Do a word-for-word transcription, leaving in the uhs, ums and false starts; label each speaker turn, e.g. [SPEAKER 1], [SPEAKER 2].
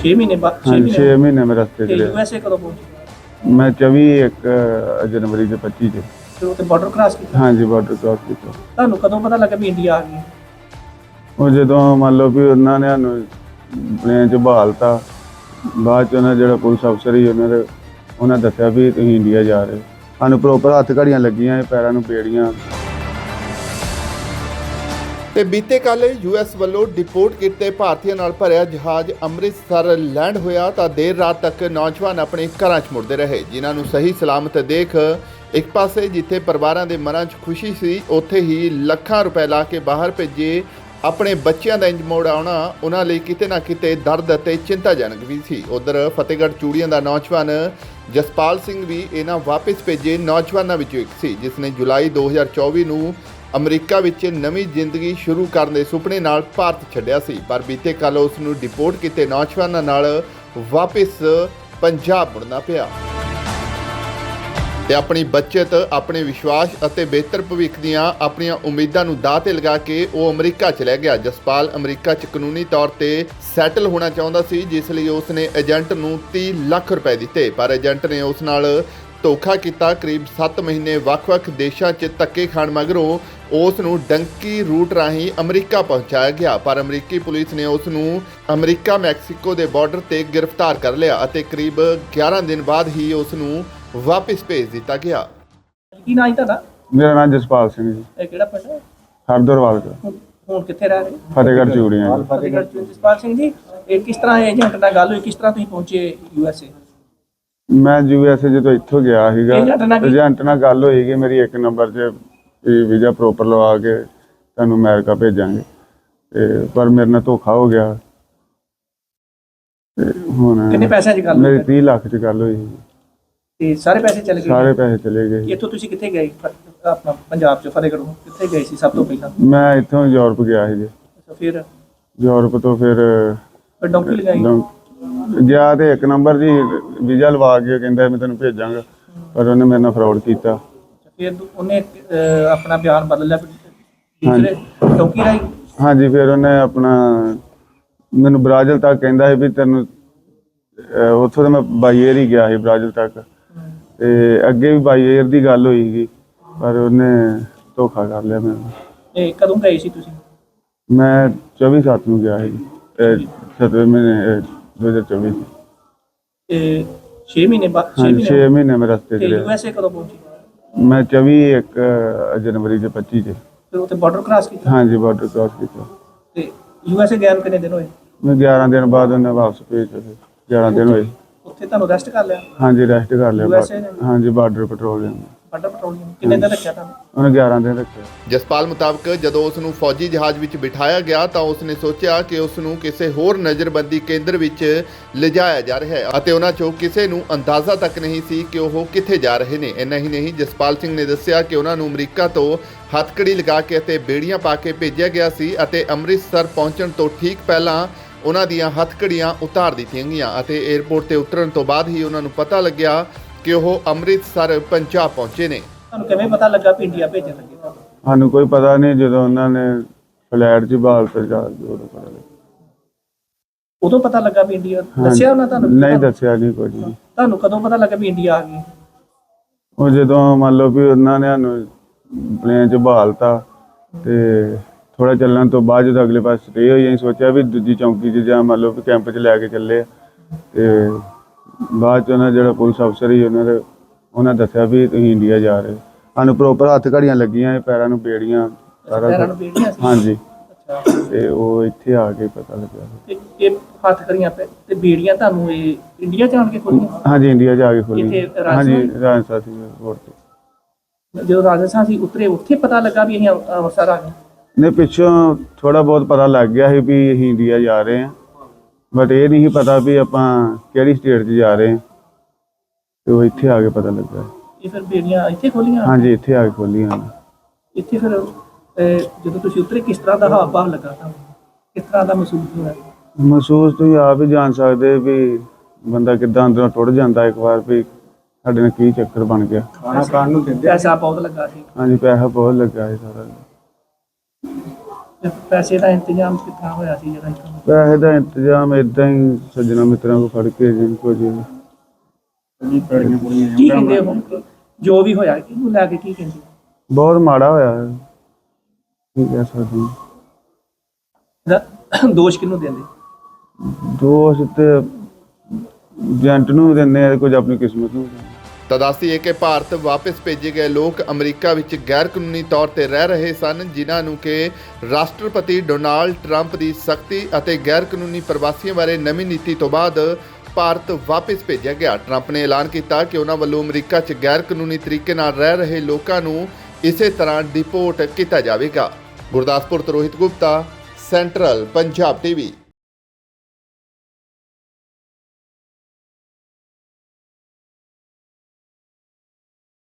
[SPEAKER 1] छह महीने बाद
[SPEAKER 2] हाँ छे महीने में रस्ते
[SPEAKER 1] ਤੇ
[SPEAKER 2] च
[SPEAKER 1] ਯੂਐਸਏ ਕਦੋਂ ਪਹੁੰਚੇ?
[SPEAKER 2] मैं चौबी एक अ, जनवरी के पच्ची च
[SPEAKER 1] ਤੇ ਉਹ ਤੇ ਬਾਰਡਰ ਕ੍ਰਾਸ ਕੀਤਾ।
[SPEAKER 2] हाँ जी बॉर्डर क्रॉस किया।
[SPEAKER 1] ਤੁਹਾਨੂੰ ਕਦੋਂ ਪਤਾ ਲੱਗਾ ਵੀ ਇੰਡੀਆ ਆ ਗਈ?
[SPEAKER 2] ਉਹ ਜਦੋਂ ਮੰਨ ਲਓ ਵੀ ਉਹਨਾਂ ਨੇ ਸਾਨੂੰ ਪਲੇਨ 'ਚ ਬਹਾਲਤਾ, ਬਾਅਦ 'ਚ ਉਹਨਾਂ ਜਿਹੜਾ ਪੁਲਿਸ ਅਫਸਰ ਸੀ ਉਹਨਾਂ ਦੇ ਉਹਨਾਂ ਦੱਸਿਆ ਵੀ ਤੁਸੀਂ ਇੰਡੀਆ ਜਾ ਰਹੇ। ਸਾਨੂੰ ਪ੍ਰੋਪਰ ਹੱਥ ਘੜੀਆਂ ਲੱਗੀਆਂ, ਪੈਰਾਂ ਨੂੰ ਬੇੜੀਆਂ।
[SPEAKER 3] ਤੇ ਬੀਤੇ ਕੱਲ੍ਹ ਯੂਐਸ ਵੱਲੋਂ ਡਿਪੋਰਟ ਕੀਤੇ ਭਾਰਤੀਆਂ ਨਾਲ ਭਰਿਆ ਜਹਾਜ਼ ਅੰਮ੍ਰਿਤਸਰ ਲੈਂਡ ਹੋਇਆ ਤਾਂ ਦੇਰ ਰਾਤ ਤੱਕ ਨੌਜਵਾਨ ਆਪਣੇ ਘਰਾਂ 'ਚ ਮੁੜਦੇ ਰਹੇ, ਜਿਨ੍ਹਾਂ ਨੂੰ ਸਹੀ ਸਲਾਮਤ ਦੇਖ ਇੱਕ ਪਾਸੇ ਜਿੱਥੇ ਪਰਿਵਾਰਾਂ ਦੇ ਮਨਾਂ 'ਚ ਖੁਸ਼ੀ ਸੀ, ਉੱਥੇ ਹੀ ਲੱਖਾਂ ਰੁਪਏ ਲਾ ਕੇ ਬਾਹਰ ਭੇਜੇ ਆਪਣੇ ਬੱਚਿਆਂ ਦਾ ਇੰਜ ਮੋੜ ਆਉਣਾ ਉਹਨਾਂ ਲਈ ਕਿਤੇ ਨਾ ਕਿਤੇ ਦਰਦ ਅਤੇ ਚਿੰਤਾਜਨਕ ਵੀ ਸੀ। ਉਧਰ ਫਤਿਹਗੜ੍ਹ ਚੂੜੀਆਂ ਦਾ ਨੌਜਵਾਨ ਜਸਪਾਲ ਸਿੰਘ ਵੀ ਇਹਨਾਂ ਵਾਪਸ ਭੇਜੇ ਨੌਜਵਾਨਾਂ ਵਿੱਚੋਂ ਇੱਕ ਸੀ, ਜਿਸ ਨੇ ਜੁਲਾਈ ਦੋ ਹਜ਼ਾਰ ਚੌਵੀ ਨੂੰ ਅਮਰੀਕਾ ਵਿੱਚ ਨਵੀਂ ਜ਼ਿੰਦਗੀ ਸ਼ੁਰੂ ਕਰਨ ਦੇ ਸੁਪਨੇ ਨਾਲ ਭਾਰਤ ਛੱਡਿਆ ਸੀ, ਪਰ ਬੀਤੇ ਕੱਲ੍ਹ ਉਸ ਨੂੰ ਡਿਪੋਰਟ ਕੀਤੇ ਨੌਜਵਾਨਾਂ ਨਾਲ ਵਾਪਸ ਪੰਜਾਬ ਮੁੜਨਾ ਪਿਆ ਤੇ ਆਪਣੀ ਬੱਚਤ, ਆਪਣੇ ਵਿਸ਼ਵਾਸ ਅਤੇ ਬਿਹਤਰ ਭਵਿੱਖ ਦੀਆਂ ਆਪਣੀਆਂ ਉਮੀਦਾਂ ਨੂੰ ਦਾਅ 'ਤੇ ਲਗਾ ਕੇ ਉਹ ਅਮਰੀਕਾ ਚਲਾ ਗਿਆ। ਜਸਪਾਲ ਅਮਰੀਕਾ 'ਚ ਕਾਨੂੰਨੀ ਤੌਰ ਤੇ ਸੈਟਲ ਹੋਣਾ ਚਾਹੁੰਦਾ ਸੀ, ਜਿਸ ਲਈ ਉਸ ਨੇ ਏਜੰਟ ਨੂੰ ਤੀਹ ਲੱਖ ਰੁਪਏ ਦਿੱਤੇ, ਪਰ ਏਜੰਟ ਨੇ ਉਸ ਨਾਲ ਧੋਖਾ ਕੀਤਾ। ਕਰੀਬ ਸੱਤ ਮਹੀਨੇ ਵੱਖ-ਵੱਖ ਦੇਸ਼ਾਂ 'ਚ ਧੱਕੇ ਖਾਣ ਮਗਰੋਂ ਉਸ ਨੂੰ ਡੰਕੀ ਰੂਟ ਰਾਹੀਂ ਅਮਰੀਕਾ ਪਹੁੰਚਾਇਆ ਗਿਆ, ਪਰ ਅਮਰੀਕੀ ਪੁਲਿਸ ਨੇ ਉਸ ਨੂੰ ਅਮਰੀਕਾ ਮੈਕਸੀਕੋ ਦੇ ਬਾਰਡਰ ਤੇ ਗ੍ਰਿਫਤਾਰ ਕਰ ਲਿਆ ਅਤੇ ਕਰੀਬ ਗਿਆਰਾਂ ਦਿਨ ਬਾਅਦ ਹੀ ਉਸ ਨੂੰ ਵਾਪਸ ਭੇਜ ਦਿੱਤਾ ਗਿਆ।
[SPEAKER 1] ਕੀ ਨਾਂ ਹੈ ਤੁਹਾਡਾ?
[SPEAKER 2] ਮੇਰਾ ਨਾਮ ਜਸਪਾਲ ਸਿੰਘ ਜੀ,
[SPEAKER 1] ਇਹ ਕਿਹੜਾ ਪਿੰਡ ਹੈ?
[SPEAKER 2] ਹਰਦਰਵਾਲ ਦਾ,
[SPEAKER 1] ਹੁਣ ਹੁਣ ਕਿੱਥੇ ਰਹਿ ਰਹੇ?
[SPEAKER 2] ਫਤਿਹਗੜ੍ਹ ਚੂੜੀਆਂ ਜੀ।
[SPEAKER 1] ਫਤਿਹਗੜ੍ਹ ਚ। ਜਸਪਾਲ ਸਿੰਘ ਜੀ, ਇਹ ਕਿਸ ਤਰ੍ਹਾਂ ਏਜੰਟ ਨਾਲ ਗੱਲ ਹੋਈ, ਕਿਸ ਤਰ੍ਹਾਂ ਤੁਸੀਂ ਪਹੁੰਚੇ ਯੂਐਸਏ?
[SPEAKER 2] ਮੈਂ ਯੂ ਐਸ ਏ ਜਦੋਂ ਇੱਥੋਂ ਗਿਆ ਸੀਗਾ,
[SPEAKER 1] ਏਜੰਟ ਨਾਲ ਕੀ-
[SPEAKER 2] ਏਜੰਟ ਨਾਲ ਗੱਲ ਹੋਈ ਕਿ ਮੇਰੀ ਇੱਕ ਨੰਬਰ 'ਚ ਵੀਜ਼ਾ ਪ੍ਰੋਪਰ ਲਵਾ ਕੇ ਤੁਹਾਨੂੰ ਅਮਰੀਕਾ ਭੇਜਾਂਗੇ, ਤੇ ਪਰ ਮੇਰੇ ਨਾਲ ਧੋਖਾ ਹੋ ਗਿਆ। ਤੇ ਹੁਣ
[SPEAKER 1] ਕਿੰਨੇ ਪੈਸਿਆਂ 'ਚ ਗੱਲ
[SPEAKER 2] ਮੇਰੀ
[SPEAKER 1] ਹੋਈ?
[SPEAKER 2] ਤੀਹ ਲੱਖ 'ਚ ਗੱਲ ਹੋਈ ਸੀ।
[SPEAKER 1] ਤੇ ਸਾਰੇ ਪੈਸੇ ਚਲੇ ਗਏ?
[SPEAKER 2] ਸਾਰੇ ਪੈਸੇ ਚਲੇ ਗਏ।
[SPEAKER 1] ਇੱਥੋਂ ਤੁਸੀਂ ਕਿੱਥੇ ਗਏ? ਫ- ਆਪਣਾ ਪੰਜਾਬ 'ਚ ਫਤਿਹਗੜ੍ਹੋਂ ਕਿੱਥੇ ਗਏ ਸੀ ਸਭ ਤੋਂ ਪਹਿਲਾਂ?
[SPEAKER 2] ਮੈਂ ਇੱਥੋਂ ਯੂਰਪ ਗਿਆ ਸੀ ਜੀ।
[SPEAKER 1] ਅੱਛਾ, ਫਿਰ
[SPEAKER 2] ਯੂਰਪ ਤੋਂ ਫਿਰ
[SPEAKER 1] ਫਿਰ ਡੌਂਕੀ ਲਗਾਈ?
[SPEAKER 2] ਲੰ- ਗਿਆ ਤੇ ਇੱਕ ਨੰਬਰ ਜੀ ਵੀਜ਼ਾ ਲਵਾ ਕੇ ਕਹਿੰਦਾ ਮੈਂ ਤੈਨੂੰ ਭੇਜਾਂਗਾ, ਪਰ ਉਹਨੇ ਮੇਰੇ ਨਾਲ ਫਰਾਡ ਕੀਤਾ।
[SPEAKER 1] ਫਿਰ ਦੂ- ਉਹਨੇ ਅਹ, ਆਪਣਾ ਬਿਆਨ ਬਦਲ ਲਿਆ ਦੂਸਰੇ ਡੌਂਕੀ ਰਾਹੀਂ?
[SPEAKER 2] ਹਾਂਜੀ, ਫਿਰ ਉਹਨੇ ਆਪਣਾ ਮੈਨੂੰ ਬ੍ਰਾਜ਼ਿਲ ਤੱਕ ਕਹਿੰਦਾ ਸੀ ਵੀ ਤੈਨੂੰ ਅਹ, ਉੱਥੋਂ ਤਾਂ ਮੈਂ ਬਾਈ ਏਅਰ ਹੀ ਗਿਆ ਸੀ ਬ੍ਰਾਜ਼ਿਲ ਤੱਕ, ਤੇ ਅੱਗੇ ਵੀ ਬਾਈ ਏਅਰ ਦੀ ਗੱਲ ਹੋਈ ਸੀ, ਪਰ ਉਹਨੇ ਧੋਖਾ ਕਰ ਲਿਆ ਮੈਨੂੰ।
[SPEAKER 1] ਇਹ ਕਦੋਂ ਗਏ ਸੀ ਤੁਸੀਂ?
[SPEAKER 2] ਮੈਂ ਚੌਵੀ ਸੱਤ ਨੂੰ ਗਿਆ ਸੀ, ਸੱਤਵੇਂ ਮਹੀਨੇ ਦੋ ਹਜ਼ਾਰ ਚੌਵੀ।
[SPEAKER 1] ਇਹ ਛੇ ਮਹੀਨੇ ਬਾਅਦ ਛੇ
[SPEAKER 2] ਹਾਂਜੀ
[SPEAKER 1] ਮਹੀਨੇ
[SPEAKER 2] ਛੇ ਮਹੀਨੇ ਮੈਂ ਰਸਤੇ 'ਚ
[SPEAKER 1] ਤੇ
[SPEAKER 2] ਰਿਹਾ।
[SPEAKER 1] ਯੂਐਸਏ ਕਦੋਂ ਪਹੁੰਚੇ?
[SPEAKER 2] ਮੈਂ ਚੌਵੀ ਇੱਕ ਅ, ਜਨਵਰੀ ਦੇ ਪੱਚੀ 'ਚ
[SPEAKER 1] ਫਿਰ ਉੱਥੇ ਬਾਰਡਰ ਕ੍ਰਾਸ ਕੀਤਾ?
[SPEAKER 2] ਹਾਂਜੀ ਬਾਰਡਰ ਕ੍ਰਾਸ ਕੀਤਾ।
[SPEAKER 1] ਤੇ ਯੂਐਸਏ ਗਏ ਨੂੰ ਕਿੰਨੇ ਦਿਨ ਹੋਏ?
[SPEAKER 2] ਮੈਂ ਗਿਆਰਾਂ ਦਿਨ ਬਾਅਦ ਉਹਨੇ ਵਾਪਸ ਭੇਜ ਦਿੱਤੇ। ਗਿਆਰਾਂ ਦਿਨ ਹੋਏ।
[SPEAKER 1] ਉੱਥੇ ਤੁਹਾਨੂੰ ਰੈਸਟ ਕਰ ਲਿਆ
[SPEAKER 2] ਹਾਂਜੀ ਰੈਸਟ ਕਰ ਲਿਆ।
[SPEAKER 1] U S A ਨੇ?
[SPEAKER 2] ਹਾਂਜੀ ਬਾਰਡਰ ਪੈਟਰੋਲਿੰਗ
[SPEAKER 1] ਬਾਰਡਰ ਪੈਟਰੋਲਿੰਗ ਕਿੰਨੇ ਦਿਨ ਰੱਖਿਆ ਤੁਹਾਨੂੰ?
[SPEAKER 2] ਉਹਨੇ ਗਿਆਰਾਂ ਦਿਨ ਰੱਖਿਆ।
[SPEAKER 3] ਜਸਪਾਲ ਮੁਤਾਬਕ ਜਦੋਂ ਉਸ ਨੂੰ ਫੌਜੀ ਜਹਾਜ਼ ਵਿੱਚ ਬਿਠਾਇਆ ਗਿਆ ਤਾਂ ਉਸ ਨੇ ਸੋਚਿਆ ਕਿ ਉਸ ਨੂੰ ਕਿਸੇ ਹੋਰ ਨਜ਼ਰਬੰਦੀ ਕੇਂਦਰ ਵਿੱਚ ਲਿਜਾਇਆ ਜਾ ਰਿਹਾ ਹੈ ਅਤੇ ਉਹਨਾਂ 'ਚੋਂ ਕਿਸੇ ਨੂੰ ਅੰਦਾਜ਼ਾ ਤੱਕ ਨਹੀਂ ਸੀ ਕਿ ਉਹ ਕਿੱਥੇ ਜਾ ਰਹੇ ਨੇ। ਇੰਨਾ ਹੀ ਨਹੀਂ, ਜਸਪਾਲ ਸਿੰਘ ਨੇ ਦੱਸਿਆ ਕਿ ਉਹਨਾਂ ਨੂੰ ਅਮਰੀਕਾ ਤੋਂ ਹੱਥਕੜੀ ਲਗਾ ਕੇ ਅਤੇ ਬੇੜੀਆਂ ਪਾ ਕੇ ਭੇਜਿਆ ਗਿਆ ਸੀ ਅਤੇ ਅੰਮ੍ਰਿਤਸਰ ਪਹੁੰਚਣ ਤੋਂ ਠੀਕ ਪਹਿਲਾਂ ਉਹਨਾਂ ਦੀਆਂ ਹੱਥਕੜੀਆਂ ਉਤਾਰ ਦਿੱਤੀਆਂ ਗਈਆਂ ਅਤੇ ਏਅਰਪੋਰਟ ਤੇ ਉਤਰਨ ਤੋਂ ਬਾਅਦ ਹੀ ਉਹਨਾਂ ਨੂੰ ਪਤਾ ਲੱਗਿਆ ਕਿ ਉਹ ਅੰਮ੍ਰਿਤਸਰ ਪੰਜਾਬ ਪਹੁੰਚੇ ਨੇ।
[SPEAKER 1] ਤੁਹਾਨੂੰ ਕਿਵੇਂ ਪਤਾ ਲੱਗਾ ਵੀ ਇੰਡੀਆ ਭੇਜਣ ਲੱਗੇ ਤੁਹਾਨੂੰ?
[SPEAKER 2] ਸਾਨੂੰ ਕੋਈ ਪਤਾ ਨਹੀਂ, ਜਦੋਂ ਉਹਨਾਂ ਨੇ ਫਲੈਟ 'ਚ ਬਾਲ ਤੇ ਜਾ ਕੇ ਉਦੋਂ ਪਤਾ ਲੱਗਾ।
[SPEAKER 1] ਉਦੋਂ ਪਤਾ ਲੱਗਾ ਵੀ ਇੰਡੀਆ?
[SPEAKER 2] ਹਾਂਜੀ।
[SPEAKER 1] ਦੱਸਿਆ ਉਹਨਾਂ ਤੁਹਾਨੂੰ?
[SPEAKER 2] ਨਹੀਂ ਦੱਸਿਆ ਨਹੀਂ ਕੁਝ ਵੀ।
[SPEAKER 1] ਤੁਹਾਨੂੰ ਕਦੋਂ ਪਤਾ ਲੱਗਾ ਵੀ ਇੰਡੀਆ ਆ ਗਈ?
[SPEAKER 2] ਉਹ ਜਦੋਂ ਮੰਨ ਲਓ ਵੀ ਉਹਨਾਂ ਨੇ ਸਾਨੂੰ ਪਲੇਨ 'ਚ ਬਹਾਲਤਾ, ਤੇ ਥੋੜਾ ਚੱਲਣ ਤੋਂ ਬਾਅਦ ਜਦੋਂ ਅਗਲੇ ਪਾਸੇ ਸਟੇ ਹੋਈ, ਅਸੀਂ ਸੋਚਿਆ ਵੀ ਦੂਜੀ ਚੌਂਕੀ 'ਚ ਜਾਂ ਮੰਨ ਲਓ ਵੀ ਕੈਂਪ 'ਚ ਲੈ ਕੇ ਚੱਲੇ ਆ, ਤੇ ਬਾਅਦ 'ਚ ਉਹਨਾਂ ਜਿਹੜਾ ਪੁਲਿਸ ਅਫਸਰ ਸੀ ਉਹਨਾਂ ਦੇ ਉਹਨਾਂ ਦੱਸਿਆ ਵੀ ਤੁਸੀਂ ਇੰਡੀਆ ਜਾ ਰਹੇ। ਸਾਨੂੰ ਪ੍ਰੋਪਰ ਹੱਥ ਘੜੀਆਂ ਲੱਗੀਆਂ, ਪੈਰਾਂ ਨੂੰ ਬੇੜੀਆਂ, ਸਾਰਾ
[SPEAKER 1] ਪੈਰਾਂ ਨੂੰ
[SPEAKER 2] ਕੁਛ।
[SPEAKER 1] ਬੇੜੀਆਂ ਸੀ?
[SPEAKER 2] ਹਾਂਜੀ,
[SPEAKER 1] ਅੱਛਾ,
[SPEAKER 2] ਤੇ ਉਹ ਇੱਥੇ ਆ ਕੇ ਪਤਾ ਲੱਗਿਆ।
[SPEAKER 1] ਤੇ ਇਹ ਹੱਥ ਕਰੀਆਂ ਪੈ ਤੇ ਬੇੜੀਆਂ ਤੁਹਾਨੂੰ ਇਹ ਇੰਡੀਆ ਜਾਣ ਕੇ ਖੋਲੀਆਂ?
[SPEAKER 2] ਹਾਂਜੀ ਇੰਡੀਆ ਜਾ ਕੇ ਖੋਲੀ।
[SPEAKER 1] ਇੱਥੇ ਰਾਜਸਥਾਨ?
[SPEAKER 2] ਹਾਂਜੀ ਰਾਜਸਥਾਨ ਸੀ 에ਅਰਪੋਰਟ ਤੇ।
[SPEAKER 1] ਜਦੋਂ ਰਾਜਸਥਾਨ ਸੀ ਉਤਰੇ, ਉੱਥੇ ਪਤਾ ਲੱਗਾ ਵੀ ਅਸੀਂ ਅੰਮ੍ਰਿ- ਅੰਮ੍ਰਿਤਸਰ ਆ ਗਏ?
[SPEAKER 2] ਨੇ ਪਿੱਛੋਂ ਥੋੜਾ ਬਹੁਤ ਪਤਾ ਲੱਗ ਗਿਆ ਸੀ ਵੀ ਅਸੀਂ ਇੰਡੀਆ ਜਾ ਰਹੇ ਹਾਂ, ਬਟ ਇਹ ਨਹੀਂ ਸੀ ਪਤਾ ਵੀ ਆਪਾਂ ਕਿਹੜੀ ਸਟੇਟ 'ਚ ਜਾ ਰਹੇ ਹਾਂ, ਤੇ ਉਹ ਇੱਥੇ ਆ ਕੇ ਪਤਾ ਲੱਗਾ।
[SPEAKER 1] ਇਹ ਫਿਰ ਬੇੜੀਆਂ ਇੱਥੇ ਖੋਲੀਆਂ?
[SPEAKER 2] ਹਾਂਜੀ ਇੱਥੇ ਆ ਕੇ ਖੋਲੀਆਂ ਉਹਨਾਂ।
[SPEAKER 1] ਇੱਥੇ ਫਿਰ ਅਹ, ਜਦੋਂ ਤੁਸੀਂ ਉਤਰੇ ਕਿਸ ਤਰ੍ਹਾਂ ਦਾ ਹਾਵ ਭਾਵ ਲੱਗਾ ਤੁਹਾਨੂੰ? ਕਿਸ ਤਰ੍ਹਾਂ ਦਾ ਮਹਿਸੂਸ ਹੋਇਆ?
[SPEAKER 2] ਮਹਿਸੂਸ ਤੁਸੀਂ ਆਪ ਹੀ ਜਾਣ ਸਕਦੇ ਵੀ ਬੰਦਾ ਕਿੱਦਾਂ ਅੰਦਰੋਂ ਟੁੱਟ ਜਾਂਦਾ ਇੱਕ ਵਾਰ ਵੀ ਸਾਡੇ ਨਾਲ ਕੀ ਚੱਕਰ ਬਣ ਗਿਆ।
[SPEAKER 1] ਖਾਣਾ ਖਾਣ ਨੂੰ ਦਿੰਦੇ? ਪੈਸਾ ਬਹੁਤ ਲੱਗਾ ਸੀ?
[SPEAKER 2] ਹਾਂਜੀ ਪੈਸਾ ਬਹੁਤ ਲੱਗਾ ਸੀ ਸਾਰਾ।
[SPEAKER 1] ਤੇ ਪੈਸੇ ਦਾ ਇੰਤਜ਼ਾਮ ਕਿੱਥਾਂ ਹੋਇਆ ਸੀ ਜਿਹੜਾ ਇੱਥੋਂ?
[SPEAKER 2] ਪੈਸੇ ਦਾ ਇੰਤਜ਼ਾਮ ਇਦਾਂ ਹੀ ਸੱਜਣਾ ਮਿੱਤਰਾਂ ਕੋ ਫੜ ਕੇ ਜਿੰਨ ਕੋ ਜੀ
[SPEAKER 1] ਕੀ ਕਹਿੰਦੇ ਹੁਣ ਜੋ ਵੀ ਹੋਇਆ ਕਿਹਨੂੰ ਲੈ ਕੇ ਕੀ ਕਹਿੰਦੇ?
[SPEAKER 2] ਬਹੁਤ ਮਾੜਾ ਹੋਇਆ ਹੈ। ਕੀ ਕਹਿ ਸਕਦੇ ਹਾਂ।
[SPEAKER 1] ਇਹਦਾ ਦੋਸ਼ ਕਿਹਨੂੰ ਦਿੰਦੇ?
[SPEAKER 2] ਦੋਸ਼ ਤੇ ਏਜੰਟ ਨੂੰ ਵੀ ਦਿੰਦੇ ਆ, ਕੁਝ ਆਪਣੀ ਕਿਸਮਤ ਨੂੰ ਵੀ ਦਿੰਦੇ ਆ।
[SPEAKER 3] ਤਾਂ ਦੱਸਦੀਏ ਕਿ ਭਾਰਤ ਵਾਪਸ ਭੇਜੇ ਗਏ ਲੋਕ ਅਮਰੀਕਾ ਵਿੱਚ ਗੈਰ ਕਾਨੂੰਨੀ ਤੌਰ ਤੇ ਰਹਿ ਰਹੇ ਸਨ, ਜਿਨ੍ਹਾਂ ਨੂੰ ਕਿ ਰਾਸ਼ਟਰਪਤੀ ਡੋਨਾਲਡ ਟਰੰਪ ਦੀ ਸਖਤੀ ਅਤੇ ਗੈਰ ਕਾਨੂੰਨੀ ਪ੍ਰਵਾਸੀਆਂ ਬਾਰੇ ਨਵੀਂ ਨੀਤੀ ਤੋਂ ਬਾਅਦ ਭਾਰਤ ਵਾਪਸ ਭੇਜਿਆ ਗਿਆ। ਟਰੰਪ ਨੇ ਐਲਾਨ ਕੀਤਾ ਕਿ ਉਹਨਾਂ ਵੱਲੋਂ ਅਮਰੀਕਾ 'ਚ ਗੈਰ ਕਾਨੂੰਨੀ ਤਰੀਕੇ ਨਾਲ ਰਹਿ ਰਹੇ ਲੋਕਾਂ ਨੂੰ ਇਸੇ ਤਰ੍ਹਾਂ ਡਿਪੋਰਟ ਕੀਤਾ ਜਾਵੇਗਾ। ਗੁਰਦਾਸਪੁਰ ਤੋਂ ਰੋਹਿਤ ਗੁਪਤਾ, ਸੈਂਟਰਲ ਪੰਜਾਬ ਟੀਵੀ।